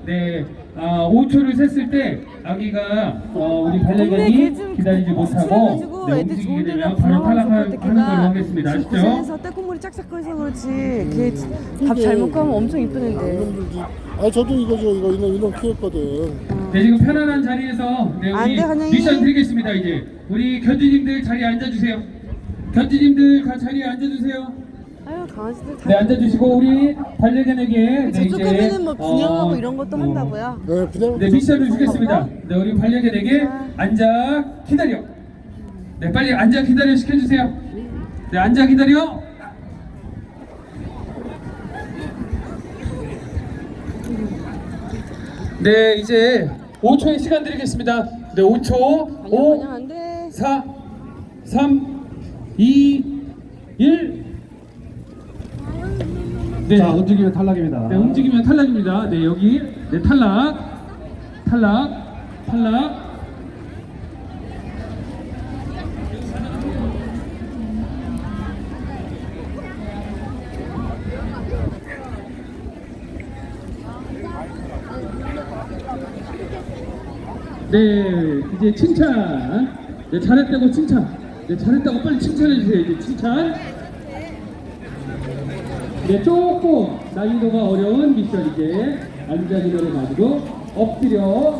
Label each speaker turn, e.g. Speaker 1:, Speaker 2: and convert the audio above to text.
Speaker 1: 네, 5초를 셌을 때 아기가 우리 반려견이 기다리지 못하고 네, 움직이게 되면 바로 탈락하는 걸로 하겠습니다. 아시죠?
Speaker 2: 고생해서 떼국물이 짝짝거려서 그렇지. 걔 밥 잘못 가면 엄청 이쁘는데.
Speaker 3: 아 저도 이거죠. 이놈 키웠거든.
Speaker 1: 네, 지금 편안한 자리에서 네,
Speaker 2: 안
Speaker 1: 우리
Speaker 2: 돼, 환영이.
Speaker 1: 미션 드리겠습니다. 이제 우리 견주님들 자리에 앉아주세요. 견주님들 다 자리에 앉아주세요.
Speaker 2: 아유 강아지들 다.
Speaker 1: 네, 앉아주시고 우리 반려견에게 네,
Speaker 2: 저쪽 가면은 뭐 분양하고 이런 것도
Speaker 1: 어,
Speaker 2: 한다고요.
Speaker 3: 네, 그냥
Speaker 1: 네, 미션을 주겠습니다. 네, 우리 반려견에게 앉아 기다려. 네, 빨리 앉아 기다려 시켜주세요. 네, 앉아 기다려. 네, 이제 5초의 시간 드리겠습니다. 네, 5초. 5,
Speaker 2: 그냥 안 돼.
Speaker 1: 4, 3, 2, 1. 네.
Speaker 4: 자, 움직이면 탈락입니다.
Speaker 1: 네, 움직이면 탈락입니다. 네, 여기 네, 탈락. 네, 이제 칭찬. 네, 잘했다고 칭찬. 네, 잘했다고 빨리 칭찬해 주세요. 이제 칭찬. 네, 조금 난이도가 어려운 미션 이제 앉아 기다려 가지고 엎드려